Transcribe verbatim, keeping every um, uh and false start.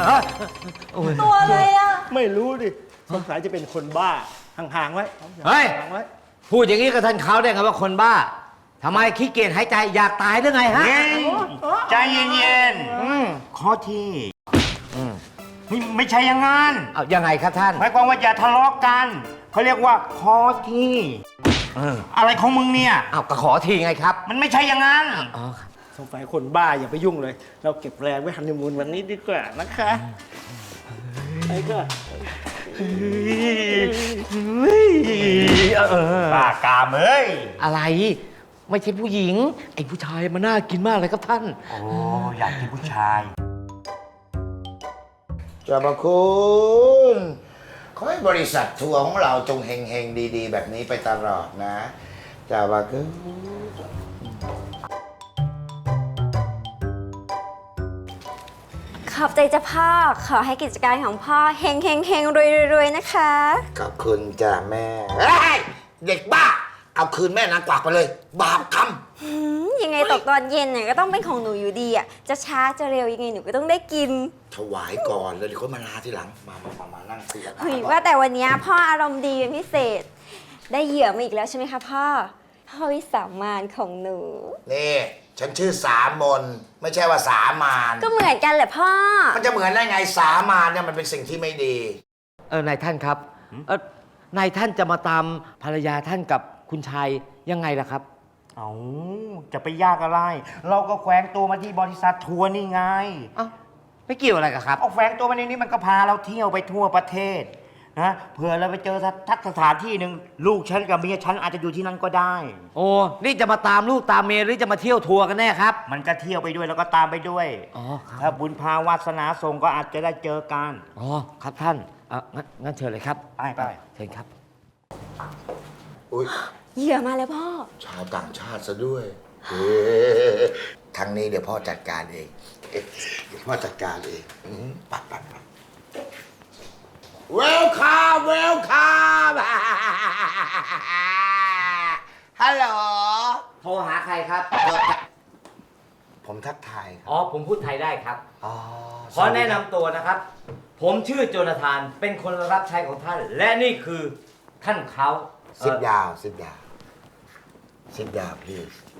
ตัวอะไรอ่ะไม่รู้ดิสงสัยจะเป็นคนบ้าห่างๆไว้เฮ้ยห่างๆไว้พูดอย่างนี้กับท่านเขาได้ไงว่าคนบ้าทำไมขี้เกียจหายใจอยากตายหรือไงฮะเย็นใจเย็นๆขอทีไม่ไม่ใช่อย่างงั้นเอายังไงครับท่านหมายความว่าอย่าทะเลาะกันเขาเรียกว่าขอทีอะไรของมึงเนี่ยเอาก็ขอทีไงครับมันไม่ใช่อย่างนั้นอ๋อครับสงสัยคนบ้าอย่าไปยุ่งเลย เราเก็บแรงไว้ฮันนีมูนวันนี้ดีกว่านะคะไปก็บ้ากามเอ้ยอะไร ไม่ใช่ผู้หญิง ไอ้ผู้ชายมันน่ากินมากเลยครับท่านโอ้อยากกินผู้ชายเจ้าพระคุณขอให้บริษัททัวร์ของเราจงเฮงๆ ดีๆ แบบนี้ไปตลอดนะเจ้าพระคุณขอบใจจ้ะพ่อขอให้กิจการของพ่อเฮงเฮงเฮงรวยรวยนะคะขอบคุณจ้าแม่เฮ้ยเด็กบ้า เอาคืนแม่นางกวักไปเลย บาปกรรมหืมยังไงตกตอนเย็นเนี่ยก็ต้องเป็นของหนูอยู่ดีอ่ะจะช้าจะเร็วยังไงหนูก็ต้องได้กินถวายก่อนแล้วเดี๋ยวค่อยมาลาทีหลัง มามามามานั่งคุยกันเฮ้ยว่าแต่วันนี้พ่ออารมณ์ดีเป็นพิเศษ ได้เหยื่อมาอีกแล้วใช่ไหมคะพ่อพ่อวิสามานของหนูนี่ฉันชื่อสามนไม่ใช่ว่าสามานก็เหมือนกันแหละพ่อมันจะเหมือนได้ไงสามานเนี่ยมันเป็นสิ่งที่ไม่ดีเออนายท่านครับเออนายท่านจะมาตามภรรยาท่านกับคุณชายยังไงล่ะครับเอาจะไปยากอะไร เราก็แขวงตัวมาที่บริษัททัวร์นี่ไงเอ้าไม่เกี่ยวอะไรกับครับเอาแฝงตัวมาในนี้มันก็พาเราเที่ยวไปทั่วประเทศนะเผื่อเราไปเจอทักสถานที่หนึ่งลูกฉันกับเมียฉันอาจจะอยู่ที่นั่นก็ได้โอ้นี่จะมาตามลูกตามเมียหรือจะมาเที่ยวทัวร์กันแน่ครับมันก็เที่ยวไปด้วยแล้วก็ตามไปด้วยอ๋อครับถ้าบุญพาวาสนาส่งก็อาจจะได้เจอกันอ๋อครับท่านเอองั้นงั้นเชิญเลยครับไปไปเชิญครับอุ้ยเหยื่อมาแล้วพ่อชาวต่างชาติซะด้วยเฮ้ทางนี้เดี๋ยวพ่อจัดการเองเอ๊ะเดี๋ยวพ่อจัดการเองอืมปัดปัดปัดเวลคัมเวลคัมฮัลโหลโทรหาใครครับผมทักทายครับอ๋อผมพูดไทยได้ครับอ๋อขอแนะนำตัวนะครับ ผมชื่อโจนาธาน เป็นคนรับใช้ของท่าน และนี่คือท่านเขาสิบยาวสิบยาวสิบยาว please